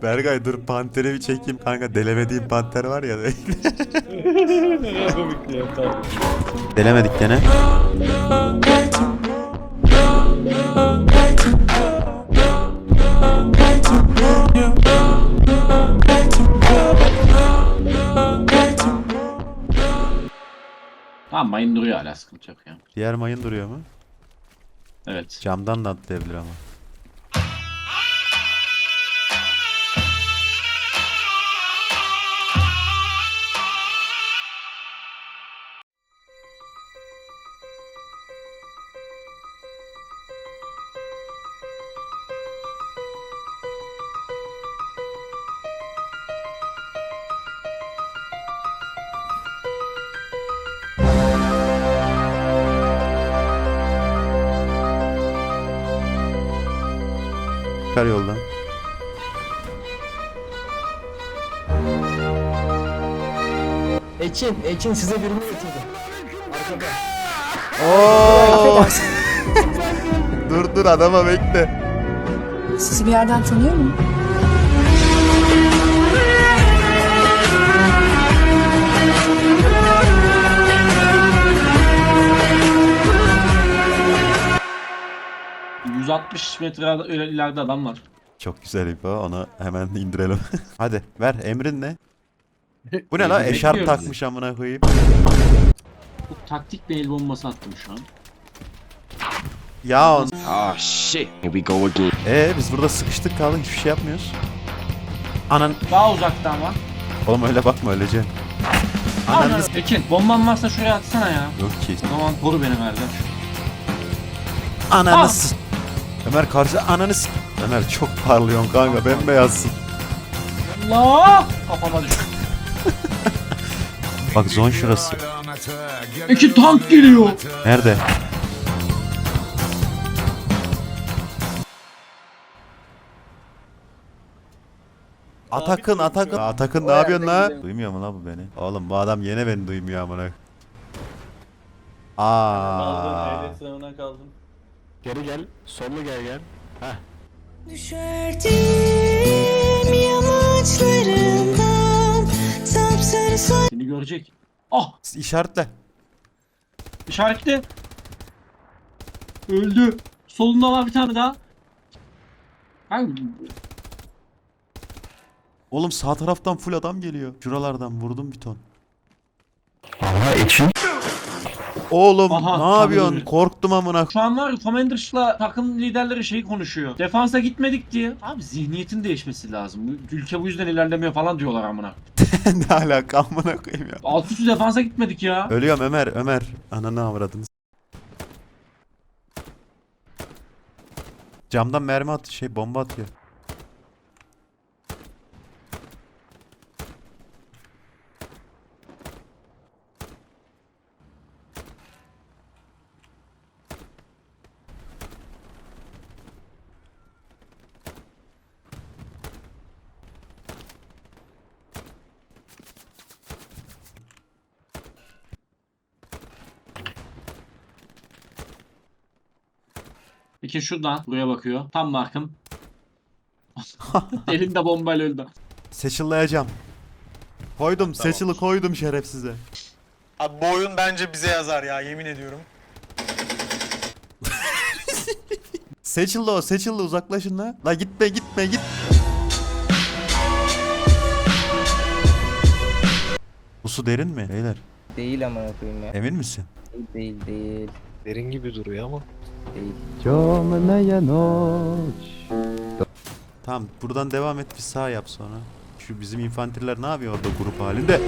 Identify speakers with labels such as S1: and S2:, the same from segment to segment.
S1: Berkay dur panteri bir çekeyim kanka. Delemediğim panter var ya.
S2: Ne komikti ya, tamam.
S1: Delemedik gene.
S2: Tamam, mayın duruyor hala, sıkıntı yok ya.
S1: Diğer mayın duruyor mu?
S2: Evet.
S1: Camdan da atlayabilir ama. Çıkar yoldan.
S3: Ekin size birini getirdim. Arkada.
S1: Oo! dur adama bekle.
S4: Sizi bir yerden tanıyor muyum?
S2: ...160 metre öyle ileride adam var.
S1: Çok güzel ipo. Onu hemen indirelim. Hadi ver emrin ne? Bu ne la? Eşarp
S2: Bekliyoruz.
S1: takmış amına koyayım.
S2: Bu taktik bir el bombası attım şu an.
S1: Ya
S5: Oh shit, here we go again.
S1: biz burada sıkıştık kaldık hiçbir şey yapmıyoruz. Anan
S2: Daha uzaktan var.
S1: oğlum öyle bakma öylece.
S2: Ananı Ekin, bomban varsa şuraya atsana ya.
S1: Yok ki.
S2: O zaman koru beni kardeş.
S1: Ananı s- Ömer karşı ananı s- Ömer çok parlıyorsun kanka bembeyazsın.
S2: Allah! Kafama düştü.
S1: Bak zon şurası.
S2: Ekin, tank geliyor.
S1: Nerede? Atakın. Atakın ne yapıyorsun la? Duymuyor mu la bu beni? Oğlum bu adam yine beni duymuyor amına. Aa.
S2: sınavına kaldım.
S3: Geri gel. Sollu gel.
S4: Düşerdim yamaçlarından sapsarı
S2: Seni görecek. Ah!
S1: İşaretle.
S2: İşaretli. Öldü. Solunda var bir tane daha. Hangi?
S1: Oğlum sağ taraftan full adam geliyor. Şuralardan vurdum bir ton.
S3: Aha Ekin.
S1: Oğlum
S2: Aha,
S1: ne yapıyorsun?
S2: tanıdım.
S1: Korktum amına.
S2: Şu an var ya, Commanders'la takım liderleri şey konuşuyor. Defansa gitmedik diye. Abi zihniyetin değişmesi lazım. Bu ülke bu yüzden ilerlemiyor falan diyorlar amına.
S1: Ne alaka amına koyayım ya.
S2: Alt üstü defansa gitmedik ya.
S1: Ölüyorum Ömer. Ananı avradınız. Camdan mermi bomba atıyor.
S2: Peki şuradan buraya bakıyor. Tam markım. Elinde bombayla öldü.
S1: Seçillayacağım. Koydum. Seçili koydum şerefsize.
S6: Abi bu oyun bence bize yazar ya, yemin ediyorum.
S1: Seçildi uzaklaşın la. La gitme git. Bu su derin mi beyler?
S7: Değil amına koyayım ya.
S1: Emin misin?
S7: Değil.
S3: Derin gibi duruyor ama.
S7: Değil.
S1: Tamam buradan devam et bir sağ yap sonra. Şu bizim infanteriler ne yapıyor orada grup halinde?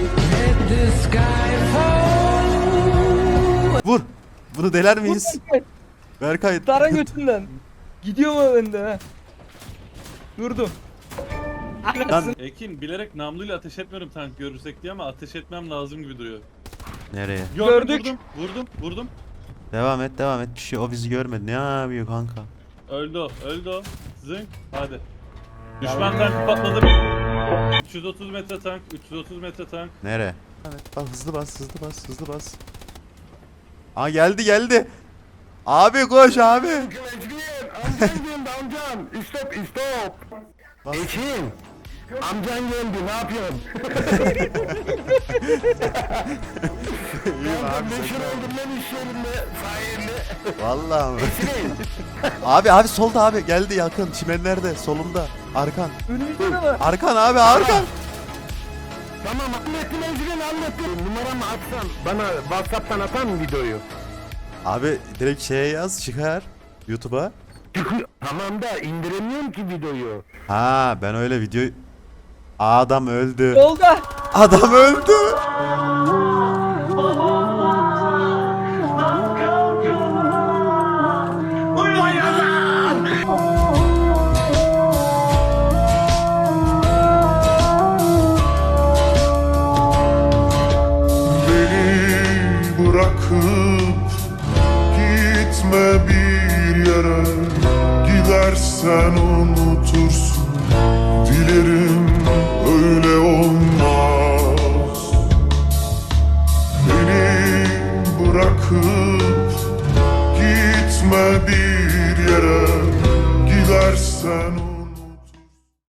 S1: Vur. Bunu deler miyiz? Berkay.
S7: Tara götünden. Gidiyor mu bende ha? Durdum.
S1: Lan
S8: Ekin bilerek namluyla ateş etmiyorum tank görürsek diye ama ateş etmem lazım gibi duruyor.
S1: nereye?
S7: Gördük.
S8: Vurdum.
S1: Devam et. Bir şey o bizi görmedi. Ne yapıyor kanka?
S8: Öldü o. Zınk. Hadi. Düşman tankı patladı. 330 metre tank, 330 metre tank.
S1: Nereye? Evet bak hızlı bas. Aa geldi. Abi koş abi. Bas.
S3: Ekin! Amcan geldi, ne yapıyorsun?
S1: İyiyim abi.
S3: Meşhur oldum lan iş yerinde, sayende.
S1: Vallahi mi?
S3: Ekin!
S1: Abi solda abi geldi yakın çimenlerde solumda arkan.
S7: Önümüzde de var.
S1: Arkan abi arkan.
S3: Tamam, hallettim Ecrin, hallettim. Numaramı atsan, bana WhatsApp'tan atar mı videoyu?
S1: Abi direkt şeye yaz çıkar YouTube'a.
S3: Tamam da indiremiyorum ki videoyu.
S1: Ha ben öyle video... Adam öldü.
S7: Yolda.
S1: Adam öldü.
S9: Beni bırakıp gitme bir yere, gidersen unutursun, dilerim öyle olmaz. Beni bırakıp